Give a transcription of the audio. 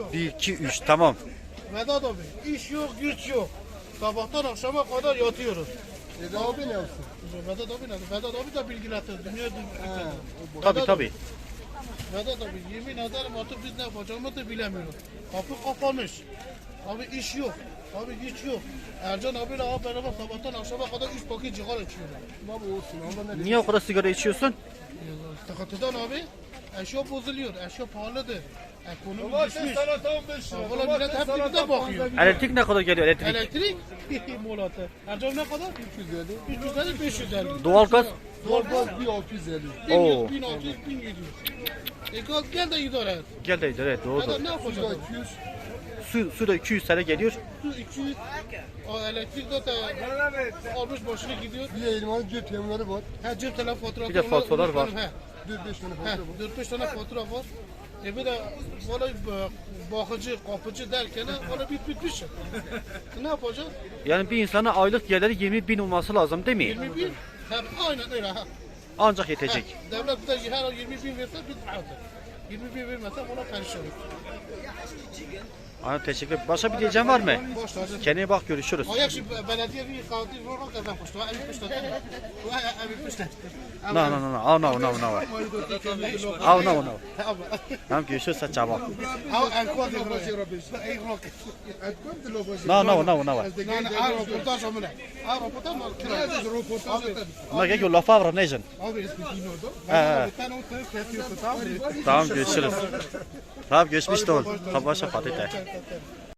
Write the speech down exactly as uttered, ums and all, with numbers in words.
bir, iki, üç. Tamam. Vedat abi iş yok güç yok. Sabahtan akşama kadar yatıyoruz. Eda abi ne yapsın? Vedat abi ne? Vedat abi de bilgilendir. Dünya He, dünya. o Tabii tabii. Vedat abi yemin ederim artık biz ne yapacağımızı da bilemiyoruz. Kapı kapanmış. Abi iş yok. Abi güç yok. Ercan abiyle abi beraber sabahtan akşama kadar üç paket cigara içiyorlar. Baba olsun ama ne Niye o kadar sigara içiyorsun? Sıkıntıdan abi eşya bozuluyor. Eşya pahalıdır. Ekonomi Domates düşmüş. salata on beş lira. Valla millet hep birbirine bakıyor. Elektrik ne kadar geliyor elektrik? Elektrik molatı. Ercan ne kadar? üç yüz elli. üç yüz elli beş yüz elli. Doğalgaz? Doğalgaz bir altı yüz elli. bin Oo. yüz, bin altı yüz, bin yedi yüz. E gel, gel de idare et. Gel de evet Ya da doğru. ne Bu da yapacağız? iki yüz. Su, su da iki yüz tane geliyor. Su iki yüz. O elektrik de almış başına gidiyor. Bir de elmanın cep yemleri var. Ha cep telefon faturası. Bir de faturalar var. He. dört beş tane He. fatura var. dört beş tane fatura var. E bir de valla bakıcı, kapıcı derken valla bit bitmiş. Ne yapacağız? Yani bir insana aylık geliri yirmi bin olması lazım değil mi? yirmi bin. Hem aynen öyle ha. Ancak yetecek. Devlet bize her ay yirmi bin verse biz rahatız. yirmi bin vermezse ona perişanız. Aynen teşekkür ederim. Başka bir diyeceğim var mı? Boş lazım. Kendine bak görüşürüz. Ayak şimdi belediye bir katil vurmak kazan koştu. Evi pişti. Evi pişti. No no no no. Oh no no no. Oh no no. Tamam görüşürüz sen çabuk. Al alkol de buraya. Ey rock. No no no no. No, no, a reportaj omle. A reportaj mı? Ma gel yolla favra nejen. Abi ismi Dino'du. He. Ben onu kesiyorsun tamam mı? Tamam görüşürüz. Tamam görüşmüş de ol. Kabaşa patete.